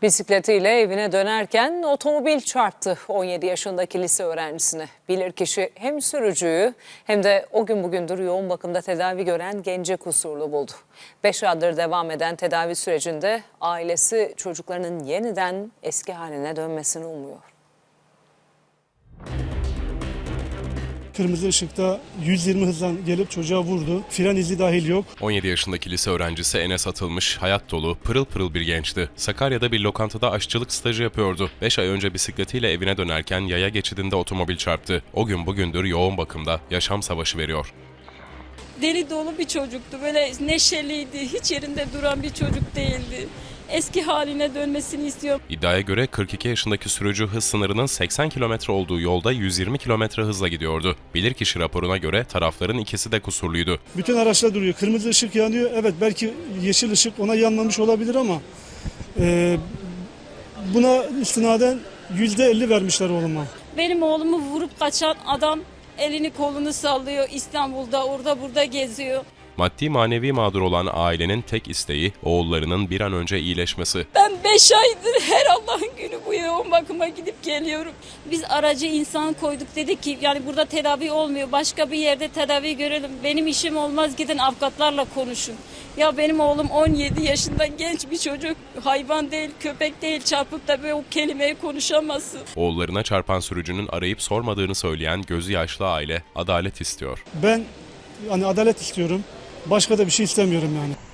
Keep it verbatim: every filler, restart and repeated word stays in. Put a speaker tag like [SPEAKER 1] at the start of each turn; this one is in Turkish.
[SPEAKER 1] Bisikletiyle evine dönerken otomobil çarptı on yedi yaşındaki lise öğrencisine. Bilirkişi hem sürücüyü hem de o gün bugündür yoğun bakımda tedavi gören gence kusurlu buldu. beş aydır devam eden tedavi sürecinde ailesi çocuklarının yeniden eski haline dönmesini umuyor.
[SPEAKER 2] Kırmızı ışıkta yüz yirmi hızdan gelip çocuğa vurdu. Fren izi dahil yok.
[SPEAKER 3] on yedi yaşındaki lise öğrencisi Enes Atılmış, hayat dolu, pırıl pırıl bir gençti. Sakarya'da bir lokantada aşçılık stajı yapıyordu. beş ay önce bisikletiyle evine dönerken yaya geçidinde otomobil çarptı. O gün bugündür yoğun bakımda yaşam savaşı veriyor.
[SPEAKER 4] Deli dolu bir çocuktu. Böyle neşeliydi. Hiç yerinde duran bir çocuk değildi. Eski haline dönmesini istiyorum.
[SPEAKER 3] İddiaya göre kırk iki yaşındaki sürücü hız sınırının seksen kilometre olduğu yolda yüz yirmi kilometre hızla gidiyordu. Bilirkişi raporuna göre tarafların ikisi de kusurluydu.
[SPEAKER 2] Bütün araçlar duruyor. Kırmızı ışık yanıyor. Evet, belki yeşil ışık ona yanmamış olabilir ama e, buna istinaden yüzde elli vermişler oğluma.
[SPEAKER 4] Benim oğlumu vurup kaçan adam elini kolunu sallıyor. İstanbul'da orada burada geziyor.
[SPEAKER 3] Maddi manevi mağdur olan ailenin tek isteği oğullarının bir an önce iyileşmesi.
[SPEAKER 4] Ben beş aydır her Allah'ın günü bu yoğun bakıma gidip geliyorum. Biz aracı insan koyduk, dedik ki yani burada tedavi olmuyor. Başka bir yerde tedavi görelim. Benim işim olmaz, gidin avukatlarla konuşun. Ya benim oğlum on yedi yaşında genç bir çocuk. Hayvan değil, köpek değil, çarpıp da böyle o kelimeyi konuşamazsın.
[SPEAKER 3] Oğullarına çarpan sürücünün arayıp sormadığını söyleyen gözü yaşlı aile adalet istiyor.
[SPEAKER 2] Ben hani adalet istiyorum. Başka da bir şey istemiyorum yani.